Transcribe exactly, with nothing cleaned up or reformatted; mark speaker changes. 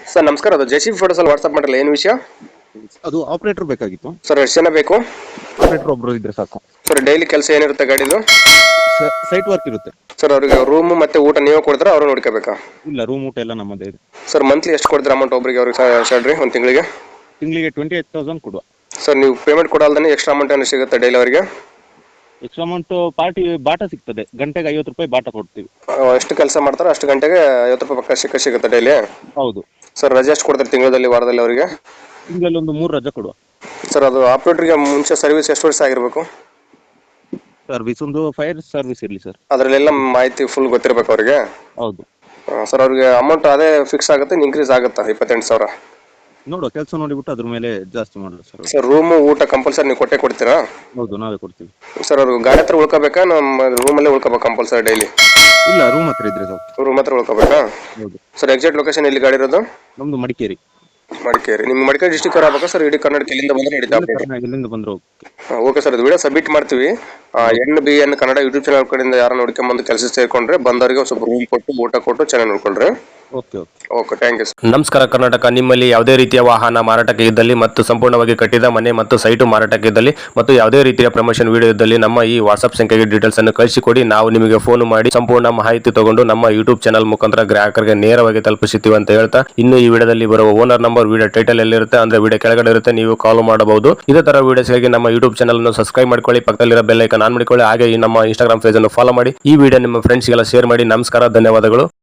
Speaker 1: Sir ನಮಸ್ಕಾರ, ಅದು J C B photos ಅಲ್ಲಿ ವಾಟ್ಸ್ಆಪ್ ಮಾಡಿರಲ್ಲ, ಏನು ವಿಷಯ?
Speaker 2: ಅದು ಆಪರೇಟರ್ ಬೇಕಾಗಿತ್ತು
Speaker 1: ಸರ್ ಎಷ್ಟು ಜನ ಬೇಕು?
Speaker 2: ಆಪರೇಟರ್ ಒಬ್ರು ಇದ್ರೆ ಸಾಕು
Speaker 1: ಸರ್. ಡೈಲಿ ಕೆಲಸ ಏನಿರುತ್ತೆ ಗಾಡಿದು?
Speaker 2: ಸೈಟ್ ವರ್ಕ್ ಇರುತ್ತೆ
Speaker 1: ಸರ್. ಅವ್ರಿಗೆ ರೂಮ್ ಮತ್ತೆ ಊಟ ನೀವೇ ಕೊಡ್ತಾರ, ಅವ್ರು ನೋಡ್ಕೋಬೇಕಾ?
Speaker 2: ಇಲ್ಲ, ರೂಮ್ ಊಟ ಎಲ್ಲ ನಮ್ಮದೇ ಇದೆ
Speaker 1: ಸರ್. ಮಂತ್ಲಿ ಎಷ್ಟು ಕೊಡ್ತೀರಾ ಅಮೌಂಟ್ ಒಬ್ರಿಗೆ ಅವ್ರಿಗೆ ಸ್ಯಾಲ್ರಿ ಒಂದು ತಿಂಗಳಿಗೆ?
Speaker 2: ತಿಂಗಳಿಗೆ ಟ್ವೆಂಟಿ ಏಟ್ ತೌಸಂಡ್ ಕೊಡುವ.
Speaker 1: ಸರ್ ನೀವು ಪೇಮೆಂಟ್ ಕೊಡಲ್ದೇ ಎಕ್ಸ್ಟ್ರಾ ಅಮೌಂಟ್ ಏನು ಸಿಗುತ್ತೆ ಡೈಲಿ ಅವರಿಗೆ?
Speaker 2: ಎಕ್ಸ್ಟ್ರಾ ಅಮೌಂಟ್ ಪಾರ್ಟಿ ಬಾಟ ಸಿಗ್ತದೆ, ಗಂಟೆಗೆ ಐವತ್ತು ರೂಪಾಯಿ ಬಾಟ ಕೊಡ್ತೀವಿ.
Speaker 1: ಎಷ್ಟು ಕೆಲಸ ಮಾಡ್ತಾರೋ ಅಷ್ಟು ಗಂಟೆಗೆ ಐವತ್ತು ರೂಪಾಯಿ ಪಕ್ಕ ಸಿಕ್ಕ ಸಿಗುತ್ತೆ ಡೈಲಿ?
Speaker 2: ಹೌದು
Speaker 1: ಸರ್. ರಜೆ ಎಷ್ಟು ಕೊಡ್ತಾರೆ ತಿಂಗಳಲ್ಲಿ, ವಾರದಲ್ಲಿ ಅವರಿಗೆ?
Speaker 2: ತಿಂಗಳಲ್ಲಿ ಒಂದು ಮೂರು ರಜೆ ಕೊಡುವ.
Speaker 1: ಸರ್. ಅದು ಆಪರೇಟರ್ಗೆ ಮುಂಚೆ ಸರ್ವಿಸ್ ಎಷ್ಟು ವರ್ಷ ಆಗಿರ್ಬೇಕು?
Speaker 2: ಸರ್ವಿಸ್ ಒಂದು ಫೈರ್ ಸರ್ವಿಸ್ ಇರಲಿ ಸರ್.
Speaker 1: ಅದರಲ್ಲೆಲ್ಲ ಮಾಹಿತಿ ಫುಲ್ ಗೊತ್ತಿರ್ಬೇಕು ಅವರಿಗೆ?
Speaker 2: ಹೌದು
Speaker 1: ಸರ್. ಅವ್ರಿಗೆ ಅಮೌಂಟ್ ಅದೇ ಫಿಕ್ಸ್ ಆಗುತ್ತೆ, ಇನ್ಕ್ರೀಸ್ ಆಗುತ್ತಾ ಇಪ್ಪತ್ತೆಂಟು ಸಾವಿರ?
Speaker 2: ನೋಡುವ, ಕೆಲಸ ನೋಡಿಬಿಟ್ಟು ಅದ್ರ ಮೇಲೆ ಜಾಸ್ತಿ ಮಾಡೋದು ಸರ್.
Speaker 1: ಸರ್. ರೂಮು ಊಟ ಕಂಪಲ್ಸರಿ ನೀವು ಕೊಟ್ಟೆ ಕೊಡ್ತೀರಾ?
Speaker 2: ಹೌದು, ನಾವೇ ಕೊಡ್ತೀವಿ.
Speaker 1: ಸರ್. ಅವ್ರು ಗಾಡಿ ಹತ್ರ ಉಳ್ಕೋಬೇಕಾ, ನಮ್ಮ ರೂಮಲ್ಲೇ ಉಳ್ಕೋಬೇಕು ಕಂಪಲ್ಸರಿ ಡೈಲಿ?
Speaker 2: ಇಲ್ಲ, ರೂಮ್ ಹತ್ರ ಇದ್ರೆ ಸಾಕು.
Speaker 1: ರೂಮ್ ಹತ್ರ ಉಳ್ಕೋಬೇಕಾ?
Speaker 2: ಹೌದು
Speaker 1: ಸರ್. ಎಕ್ಸಾಕ್ಟ್ ಲೊಕೇಶನ್ ಎಲ್ಲಿ ಗಾಡಿ ಇರೋದು?
Speaker 2: ನಮ್ದು ಮಡಿಕೇರಿ.
Speaker 1: ಮಡಿಕೇರಿ. ನಿಮ್ಗೆ ಮಡಿಕೇರಿ ಡಿಸ್ಟಿಕ್ ಆಗಬೇಕಾ ಸರ್? ಇಡೀ ಕರ್ನಾಟಕ ಎಲ್ಲಿಂದ ಬಂದ್ರೆ ನಡೀತಾ?
Speaker 2: ಇಲ್ಲಿಂದ ಬಂದ್ರು.
Speaker 1: Okay sir. ಅದು ವಿಡಿಯೋ ಸಬ್ಮಿಟ್ ಮಾಡ್ತೀವಿ. N B N Kannada YouTube channel ಕಡೆಯಿಂದ ಯಾರು ನೋಡ್ಕೊಂಡ್ ಬಂದು ಕೆಲಸ ಸೇರ್ಕೊಂಡ್ರೆ ಬಂದವರಿಗೆ ಸ್ವಲ್ಪ ರೂಮ್ ಕೊಟ್ಟು ಊಟ ಕೊಟ್ಟು ಚೆನ್ನಾಗಿ ನೋಡ್ಕೊಂಡ್ರೆ
Speaker 2: okay okay
Speaker 1: okay thank you sir.
Speaker 3: ನಮಸ್ಕಾರ ಕರ್ನಾಟಕ. ನಿಮ್ಮಲ್ಲಿ ಯಾವುದೇ ರೀತಿಯ ವಾಹನ ಮಾರಾಟಕ್ಕೆ ಇದ್ದಲ್ಲಿ ಮತ್ತು ಸಂಪೂರ್ಣವಾಗಿ ಕಟ್ಟಿದ ಮನೆ ಮತ್ತು ಸೈಟು ಮಾರಾಟಕ್ಕೆ ಇದ್ದಲ್ಲಿ ಮತ್ತು ಯಾವುದೇ ರೀತಿಯ ಪ್ರಮೋಷನ್ ವಿಡಿಯೋ ಇದ್ದಲ್ಲಿ ನಮ್ಮ ಈ ವಾಟ್ಸ್ಆಪ್ ಸಂಖ್ಯೆಗೆ ಡೀಟೇಲ್ಸ್ ಅನ್ನು ಕಳಿಸಿಕೊಡಿ. ನಾವು ನಿಮಗೆ ಫೋನ್ ಮಾಡಿ ಸಂಪೂರ್ಣ ಮಾಹಿತಿ ತಗೊಂಡು ನಮ್ಮ ಯೂಟ್ಯೂಬ್ ಚಾನಲ್ ಮುಖಾಂತರ ಗ್ರಾಹಕರಿಗೆ ನೇರವಾಗಿ ತಲುಪಿಸುತ್ತೀವಿ ಅಂತ ಹೇಳ್ತಾ, ಇನ್ನು ಈ ವಿಡಿಯೋದಲ್ಲಿ ಬರುವ ಓನರ್ ನಂಬರ್ ವಿಡಿಯೋ ಟೈಟಲ್ ಎಲ್ಲಿರುತ್ತೆ ಅಂದ್ರೆ ವಿಡಿಯೋ ಕೆಳಗಡೆ ಇರುತ್ತೆ, ನೀವು ಕಾಲ್ ಮಾಡಬಹುದು. ಇದೇ ತರ ವಿಡಿಯೋಸ್ಗಾಗಿ ನಮ್ಮ ಯೂಟ್ಯೂಬ್ ಚಾನಲ್ ಅನ್ನು ಸಬ್ಸ್ಕ್ರೈಬ್ ಮಾಡ್ಕೊಳ್ಳಿ, ಪಕ್ಕದಲ್ಲಿರೋ ಬೆಲ್ ಐಕಾನ್ ಆನ್ ಮಾಡಿಕೊಳ್ಳಿ, ಹಾಗೆ ಈ ನಮ್ಮ ಇನ್ಸ್ಟಾಗ್ರಾಮ್ ಪೇಜ್ ಅನ್ನು ಫಾಲೋ ಮಾಡಿ. ಈ ವಿಡಿಯೋ ನಿಮ್ಮ ಫ್ರೆಂಡ್ಸ್ಗೆಲ್ಲ ಶೇರ್ ಮಾಡಿ. ನಮಸ್ಕಾರ, ಧನ್ಯವಾದಗಳು.